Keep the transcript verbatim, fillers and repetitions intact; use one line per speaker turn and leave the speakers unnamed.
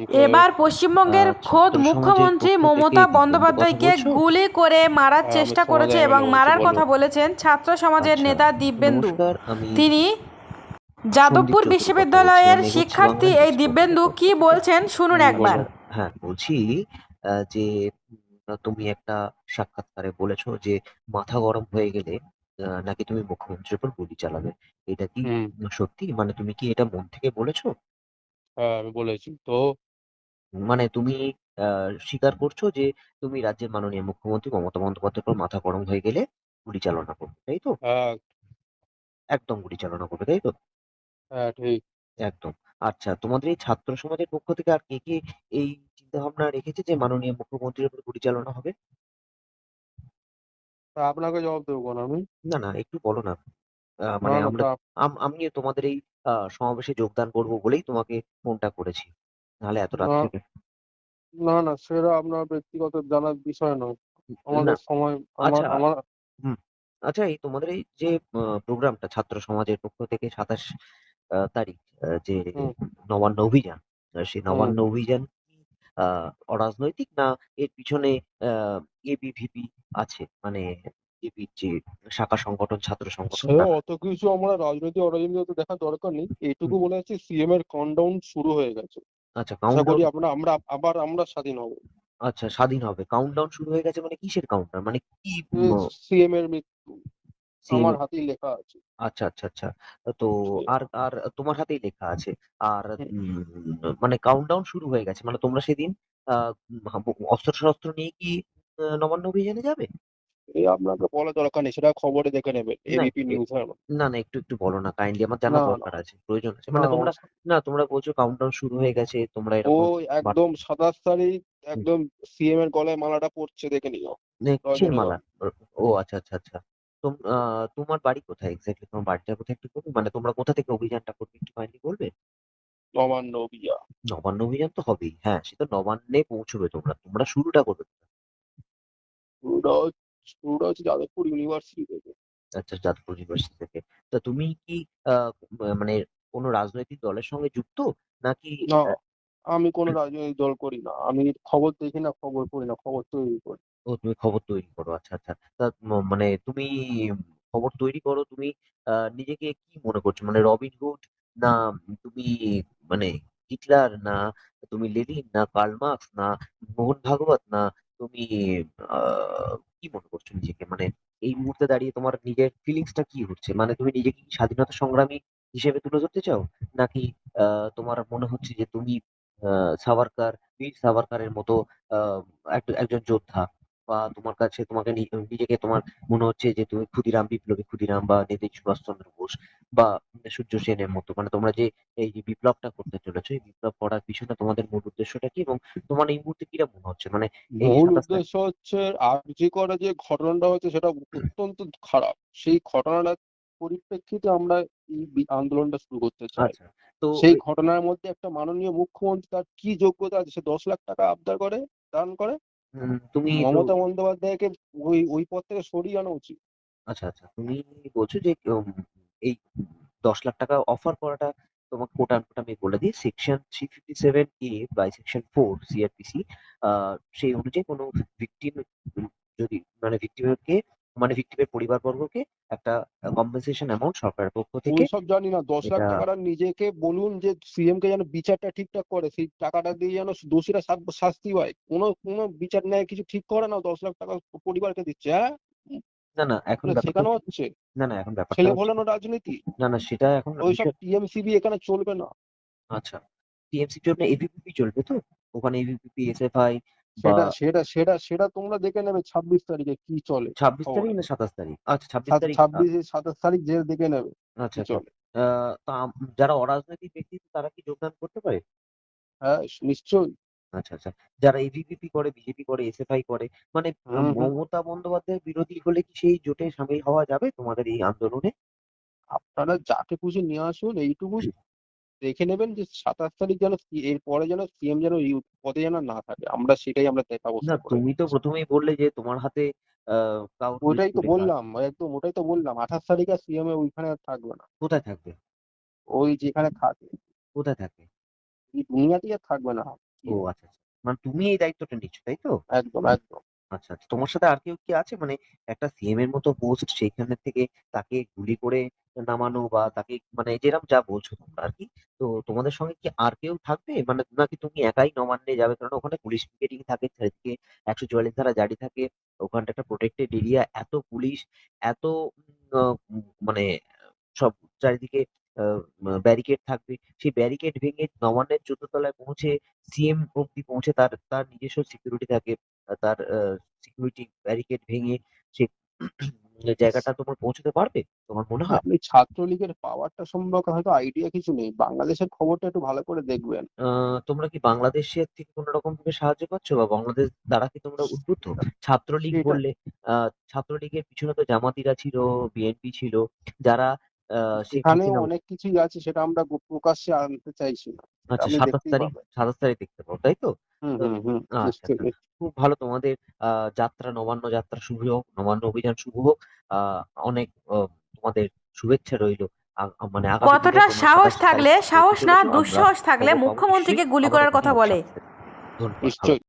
এবার
আহ,
পশ্চিমবঙ্গের খোদ
ছাত্র সমাজের
মুখ্যমন্ত্রী
পক্ষ থেকে
মমতা
দিব্যেন্দু কথা
বন্দ্যোপাধ্যায়কে
বলছো?
গুলি করে মারার
হ্যাঁ, আমি
চেষ্টা
সমাজ
করেছে এবং
এমএলএ বলছি,
মারার
বলো।
কথা বলেছেন ছাত্র সমাজের
আচ্ছা,
নেতা দিব্যেন্দু।
নমস্কার। আমি
তিনি
সন্দীপ
যাদবপুর
চৌধুরী কথা বলছিলাম,
বিশ্ববিদ্যালয়ের
এগোচ্ছি
শিক্ষার্থী
বাংলা
এই
নিউজ পোর্টালের
দিব্যেন্দু
পক্ষ
কি
থেকে।
বলছেন শুনুন
হুম,
একবার।
বলো।
নমস্কার। হ্যাঁ, বলছি আহ, যে উম, তুমি একটা সাক্ষাৎকারে বলেছো যে মাথা গরম হয়ে গেলে আহ, নাকি তুমি মুখ্যমন্ত্রীর উপর গুলি চালাবে। এটা কি
হুম।
সত্যি? মানে তুমি কি এটা মন থেকে বলেছো?
হ্যাঁ, আমি বলেছি তো।
মানে তুমি আহ স্বীকার করছো যে তুমি রাজ্যের মাননীয় মুখ্যমন্ত্রী মমতা বন্দ্যোপাধ্যায়ের উপর মাথা গরম হয়ে গেলে গুলি চালনা করবে, তাই তো?
হ্যাঁ।
একদম গুলি চালনা করবে, তাই তো?
হ্যাঁ, ঠিক।
একদম। আচ্ছা, তোমাদের এই ছাত্র সমাজের পক্ষ থেকে আর কে কে এই চিন্তা ভাবনা রেখেছে যে মাননীয় মুখ্যমন্ত্রীর উপর গুলি চালনা হবে?
তা আপনাকে জবাব দেবো কেন আমি?
না না, একটু বলো না। আহ,
না,
মানে
না,
আমরা
তা
আম- আমি তোমাদের এই আহ, সমাবেশে যোগদান করব বলেই তোমাকে ফোনটা করেছি, নাহলে এত
না,
রাত্রে।
না, না, সেটা আপনার ব্যক্তিগত জানার বিষয় নয়।
না।
আমাদের সময়, আমার
আচ্ছা।
আমার
হুম। আচ্ছা, এই তোমাদের এই যে প্রোগ্রামটা ছাত্র সমাজের পক্ষ থেকে সাতাশ আহ, তারিখ, আহ, যে
হুম,
নবান্ন অভিযান, আহ, সেই
হুম।
নবান্ন অভিযান কি আহ, অরাজনৈতিক, না এর পিছনে এবিভিপি আছে, মানে এবির যে শাখা সংগঠন, ছাত্র সংগঠন
সে
তারা?
অত কিছু আমরা রাজনৈতিক অরাজনৈতিক তো দেখার দরকার নেই, এইটুকু
হুম,
বলে যাচ্ছি সিএম এর কাউন্টডাউন শুরু হয়ে গেছে।
আচ্ছা,
আশা করি
কাউন্টডাউন।
আমরা আমরা আবার আমরা স্বাধীন হব।
আচ্ছা, স্বাধীন হবে, কাউন্টডাউন শুরু হয়ে গেছে, মানে কিসের কাউন্টডাউন, মানে কি?
সিএম এর মৃত্যু
সিএম?
আমার হাতেই লেখা আছে।
আচ্ছা আচ্ছা আচ্ছা। তো
সে-
আর আর তোমার হাতেই লেখা আছে। আর
হুম।
উম, মানে কাউন্টডাউন শুরু হয়ে গেছে, মানে তোমরা সেদিন আহ অস্ত্র শস্ত্র নিয়ে কি আহ, নবান্ন অভিযানে যাবে?
এই আপনাকে বলা দরকার নেই, সেটা খবরে দেখে নেবেন,
না
এবিপি
একটু এ-
নিউজ।
না না, একটু একটু বলো না কাইন্ডলি, আমার জানা
না, না,
দরকার আছে, প্রয়োজন আছে,
না,
মানে
না,
তোমরা।
ওস-
না, তোমরা বলছো কাউন্টডাউন শুরু হয়ে গেছে, তোমরা এরকম
ওই
বার্তা।
একদম সাতাশ তারিখ
হুম,
একদম সিএম এর গলায় মালাটা পড়ছে, দেখে নিও
মানে কিসের মালা?
রজনীগন্ধা।
ও আচ্ছা আচ্ছা আচ্ছা। তোম আহ, তোমার বাড়ি কোথায় এক্স্যাক্টলি? তোমার বাড়িটা কোথায় একটু বলবে? মানে তোমরা কোথা থেকে অভিযানটা করবে একটু কাইন্ডলি বলবে?
নবান্ন অভিযান।
নবান্ন অভিযান তো হবেই, হ্যাঁ, সে তো নবান্নে পৌঁছবে, তোমরা তোমরা শুরুটা করবে।
শুরুটা হচ্ছে শুরুটা হচ্ছে যাদবপুর ইউনিভার্সিটি থেকে।
আচ্ছা, যাদবপুর ইউনিভার্সিটি থেকে। তা তুমি কি আহ, মানে কোনো রাজনৈতিক দলের সঙ্গে যুক্ত, নাকি?
না,
আহ,
আমি কোনো রাজনৈতিক দল করি না, আমি খবর দেখি না, খবর পড়ি না, খবর তৈরি করি।
ও, তুমি খবর তৈরি করো, আচ্ছা আচ্ছা। তা ম- মানে তুমি খবর তৈরি করো, তুমি আহ, নিজেকে কি মনে করছো, মানে রবিন হুড, না তুমি মানে হিটলার, না তুমি লেনিন, না কার্ল মার্কস, না মোহন ভাগবত, না তুমি আহ কি মনে করছো নিজেকে, মানে এই মুহূর্তে দাঁড়িয়ে তোমার নিজের ফিলিংসটা কি হচ্ছে, মানে তুমি নিজেকে কি স্বাধীনতা সংগ্রামী হিসেবে তুলে ধরতে চাও, নাকি আহ তোমার মনে হচ্ছে যে তুমি আহ সাভারকার, বীর সাভারকারের মতো আহ এক- একজন যোদ্ধা, বা তোমার কাছে তোমাকে নি- নিজেকে তোমার মনে হচ্ছে যে তুমি ক্ষুদিরাম, বিপ্লবী ক্ষুদিরাম, বা নেতাজি সুভাষচন্দ্র বোস, বা সূর্য সেনের মতো, মানে তোমরা যে এই যে বিপ্লবটা করতে চলেছো, এই বিপ্লব করার পিছনে তোমাদের মূল উদ্দেশ্যটা কি, এবং তোমার এই মুহূর্তে কিরা মনে হচ্ছে, মানে এই
মূল
সাতাশ তারিখ?
উদ্দেশ্য হচ্ছে আরজি করে যে ঘটনাটা হচ্ছে সেটা অত্যন্ত খারাপ। সেই ঘটনাটার পরিপ্রেক্ষিতে আমরা এই বি- আন্দোলনটা শুরু করতে চাই।
আচ্ছা। তো
সেই
ওই-
ঘটনার মধ্যে একটা মাননীয় মুখ্যমন্ত্রী, তার কি যোগ্যতা আছে সে দশ লাখ টাকা আবদার করে, দান করে?
উম, তুমি তো।
মমতা বন্দ্যোপাধ্যায়কে ওই ওই পদ থেকে সরিয়ে আনা উচিত।
আচ্ছা আচ্ছা, তুমি বলছো যে উম, এই দশ লাখ টাকা অফার করাটা, তোমাকে কোটা কোটা আমি বলে দিই, section three fifty seven A by section four CrPC, সেই অনুযায়ী কোনো ভিকটিম যদি, মানে ভিকটিমকে, মানে ভিকটিমের পরিবারবর্গকে একটা কম্পেনসেশন অ্যামাউন্ট সরকারের পক্ষ থেকে,
ওইসব জানি না, দশ লাখ
এটা।
টাকাটা নিজেকে বলুন যে সিএম কে যেন বিচারটা ঠিকঠাক করে, সেই টাকাটা দিয়ে যেন দোষীরা শাস্তি শাস্তি পায়। কোনো কোনো বিচার নেয় কিছু ঠিক করে না, দশ লাখ টাকা পরিবারকে দিচ্ছে, হ্যাঁ?
না না, এখন
মানে
ব্যাপারটা
শেখানো
হচ্ছে।
হচ্ছে
না না, এখন ব্যাপারটা
ছেলে
হচ্ছে।
ফলানো রাজনীতি।
না না, সেটা এখন
ওইসব
বিষয়।
টিএমসিবি এখানে চলবে না।
আচ্ছা, টিএমসির জন্য এবিপিপি চলবে তো? ওখানে এবিপিপি, এসএফআই, বা
সেটা সেটা সেটা সেটা তোমরা দেখে নেবে ছাব্বিশ তারিখে কি চলে
ছাব্বিশ তারিখ
খবরে।
না সাতাশ তারিখ? আচ্ছা, ছাব্বিশ তারিখ।
ছাব্বিশ সাতাশ তারিখ যে দেখে নেবে
আচ্ছা
কি
আচ্ছা।
চলে।
আহ, তা আম- যারা অরাজনৈতিক ব্যক্তি তারা কি যোগদান করতে পারে?
হ্যাঁ, নিশ্চয়ই।
আচ্ছা আচ্ছা। যারা এবিভিপি করে, বিজেপি করে, এসএফআই করে, মানে আহ,
হুম, হুম।
মমতা বন্দ্যোপাধ্যায়ের বিরোধী হলে কি সেই জোটে সামিল হওয়া যাবে তোমাদের এই আন্দোলনে?
আপনারা যাকে খুশি নিয়ে আসুন, এইটুকু দেখে নেবেন যে সাতাশ তারিখ যেন সি- এর পরে যেন সিএম যেন এই পদে যেন না থাকে, আমরা সেটাই আমরা তে-
না,
ব্যবস্থা করে
তুমি তো
নিচ্ছি।
প্রথমেই বললে যে তোমার হাতে আহ কাউন্ট
ওইটাই
লিস্ট
তো
লেখা আছে।
বললাম, একদম ওটাই তো বললাম, আঠাশ তারিখে সিএম এ ওইখানে আর থাকবে না।
কোথায় থাকবে?
ওই যেখানে থাকে
কোথায় থাকবে?
এই দুনিয়াতেই আর থাকবে না। কি
ও আচ্ছা, আচ্ছা। মানে তুমি এই দায়িত্বটা নিচ্ছ, তাই তো?
একদম একদম
আচ্ছা, আচ্ছা। তোমার সাথে আর কেউ কি আছে? মানে একটা সিএম এর মতো পোস্ট সেইখানে থেকে তাকে গুলি করে নামানো বা তাকে মানে যেরকম যা বলছো তোমরা আরকি। তো তোমাদের সঙ্গে কি আর কেউ থাকবে? মানে নাকি তুমি একাই নবান্নে যাবে? কারণ ওখানে পুলিশ পিকেটিং থাকে, চারিদিকে একশো চুয়াল্লিশ ধারা জারি থাকে। ওখানটা একটা প্রটেক্টেড এরিয়া। এত পুলিশ, এত উম আ মানে সব চারিদিকে আ মা ব্যারিকেড থাকবে। সেই ব্যারিকেড ভেঙে নবান্নের চৌদ্দ তলায় পৌঁছে সিএম অব্দি পৌঁছে তার তার নিজস্ব সিকিউরিটি থাকে। আ তার আ সিকিউরিটি ব্যারিকেড ভেঙে সে জায়গাটা তোমার পৌঁছতে পারবে? তোমার মনে হয়?
আপনি ছাত্রলীগের পাওয়ারটা সম্পর্কে হয়তো আইডিয়া কিছু নেই, বাংলাদেশের খবরটা একটু ভালো করে দেখবেন।
আ তোমরা কি বাংলাদেশের থেকে কোন রকম ভাবে সাহায্য পাচ্ছ বা বাংলাদেশ দ্বারা কি তোমরা উদ্বুদ্ধ? ছাত্রলীগ
সেটা
বললে আ ছাত্রলীগের পিছনে তো জামাতিরা ছিল, বিএনপি ছিল, যারা আ শেখ
এখানে
হাসিনা
অনেক কিছুই আছে, সেটা আমরা গো- প্রকাশ্যে আনতে চাইছি না, সেটা
আচ্ছা
আপনি
সাতাশ
দেখতেই
তারিখ
পাবেন।
সাতাশ তারিখ দেখতে পাবো, তাই তো?
হুম
তো
হুম হুম
আচ্ছা,
নিশ্চয়ই
আচ্ছা।
নিশ্চয়ই।
খুব ভালো তোমাদের আ যাত্রা নবান্ন যাত্রা শুভ হোক, নবান্ন অভিযান শুভ হোক। আ অনেক অ তোমাদের শুভেচ্ছা রইলো। আ মানে আগামী দিনে
কতটা
তোমরা
সাহস
সাতাশ তারিখ
থাকলে,
করতে
সাহস না
চলেছো। আমরা
দুঃসাহস থাকলে
খবর পাবো নিশ্চয়ই।
মুখ্যমন্ত্রীকে গুলি
আবারও
করার
কথা
কথা
হবে
বলে?
সাতাশ তারিখ। ধন্যবাদ। ভালো
নিশ্চয়ই।